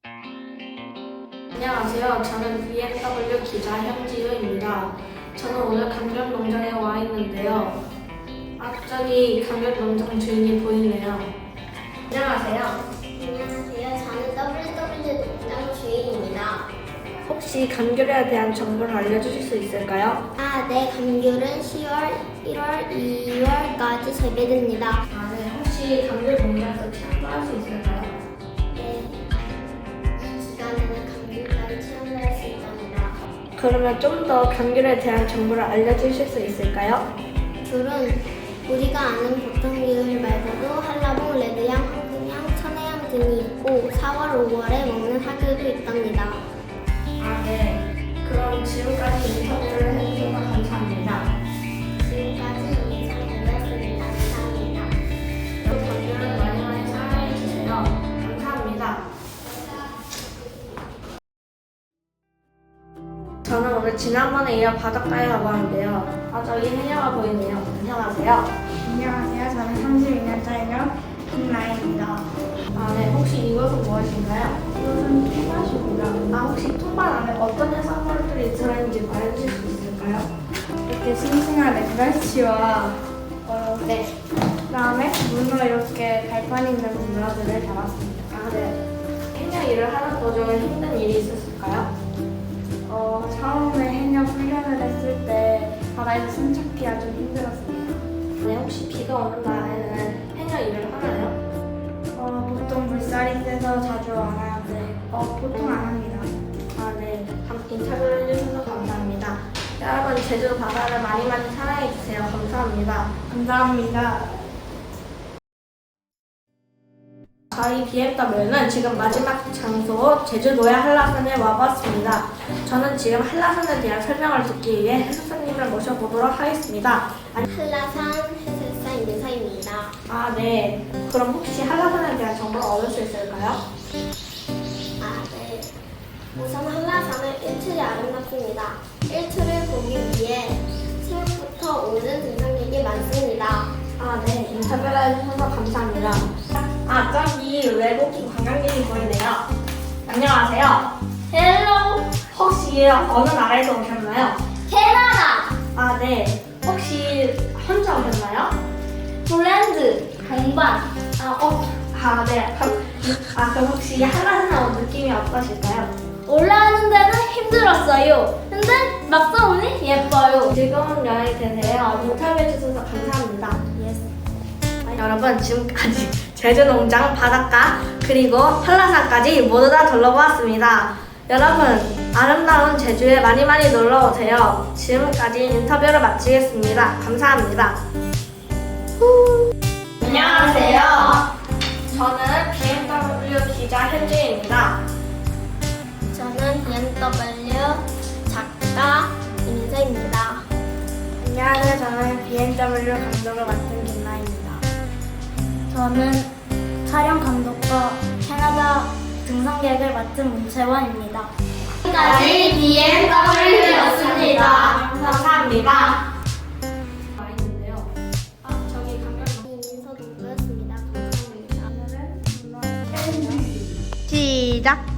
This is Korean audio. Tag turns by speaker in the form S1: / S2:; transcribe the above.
S1: 안녕하세요. 저는 BMW 기자 현지우입니다. 저는 오늘 감귤농장에 와 있는데요. 저기 감귤농장 주인이 보이네요. 안녕하세요.
S2: 안녕하세요. 저는 WW 농장 주인입니다.
S1: 혹시 감귤에 대한 정보를 알려주실 수 있을까요?
S2: 네. 감귤은 10월, 1월, 2월까지 재배됩니다.
S1: 네. 혹시 감귤농장에서 체험할 수 있을까요?
S2: 네. 이 기간에는 감귤까지 체험을 할 수 있답니다.
S1: 그러면 좀 더 감귤에 대한 정보를 알려주실 수 있을까요?
S2: 귤은 우리가 아는 보통 귤 말고도 한라봉, 레드향, 황금향, 천혜향 등이 있고 4월, 5월에 먹는 하귤도 있답니다.
S1: 네. 그럼 지금까지 인터뷰를 해주셔서 감사합니다.
S2: 지금까지 이상이었습니다. 감사합니다.
S1: 감귤을 많이 많이 사랑해주세요. 감사합니다. 저는 오늘 지난번에 이어 바닷가에 가봤는데요. 저기 해녀가 보이네요. 안녕하세요.
S3: 안녕하세요. 저는 32년차이며 김나희입니다.
S1: 네. 혹시 이것은 무엇인가요?
S3: 이것은 토마토입니다.
S1: 혹시 통발 안에 어떤 해산물들이 들어있는지 말해주실 수 있을까요?
S3: 이렇게 싱싱한 랩갈치와
S1: 네.
S3: 그다음에 문어 이렇게 발판 있는 문어들을 담았습니다.
S1: 네. 해녀 일을 하는 도중에 힘든 일이 있었을까요?
S3: 처음에 해녀 훈련을 했을 때 바다에서 숨 참기가 좀 힘들었습니다.
S1: 네. 혹시 비가 오는 날에는 해녀 일을 하나요?
S3: 보통 물살이 세서 자주 안 하는데 보통 안 합니다.
S1: 네. 인터뷰를 해주셔서 감사합니다. 여러분, 제주 바다를 많이 많이 사랑해주세요. 감사합니다.
S3: 감사합니다.
S1: 저희 BMW는 지금 마지막 장소 제주도의 한라산에 와봤습니다. 저는 지금 한라산에 대한 설명을 듣기 위해 해수사님을 모셔보도록 하겠습니다.
S2: 한라산 해설사 임사입니다.
S1: 네. 그럼 혹시 한라산에 대한 정보를 얻을 수 있을까요?
S2: 네. 우선 한라산은 일출이 아름답습니다. 일출을 보기 위해 새벽부터 오는 등산객이 많습니다.
S1: 네. 인터뷰를 해주셔서 감사합니다. 저기 외국인 관광객이 보이네요. 안녕하세요.
S2: 헬로
S1: 혹시 어느 나라에서 오셨나요?
S2: 캐나다
S1: 네. 혹시 혼자 오셨나요?
S2: 폴란드 동반
S1: 네. 그럼 혹시 한라산에 온 느낌이 어떠실까요?
S2: 올라가는 데는 힘들었어요. 근데 막상 오니 예뻐요.
S1: 즐거운 여행 되세요. 인터뷰해 주셔서 감사합니다. 여러분, 지금까지 제주농장, 바닷가, 그리고 한라산까지 모두 다 둘러보았습니다. 여러분, 아름다운 제주에 많이 많이 놀러 오세요. 지금까지 인터뷰를 마치겠습니다. 감사합니다. 안녕하세요. 저는 BMW 기자 현지입니다.
S2: 저는 BMW 작가 임세입니다.
S3: 안녕하세요. 저는 BMW 감독을 맡은 김나희입니다.
S2: 저는 촬영 감독과 캐나다 등산객을 맡은 문채원입니다. 지금까지 BMW였습니다.
S1: 감사합니다. 와 있는데요. 저기 감독님.
S2: 임서동부였습니다. 감사합니다.
S3: 오늘은
S2: 시작!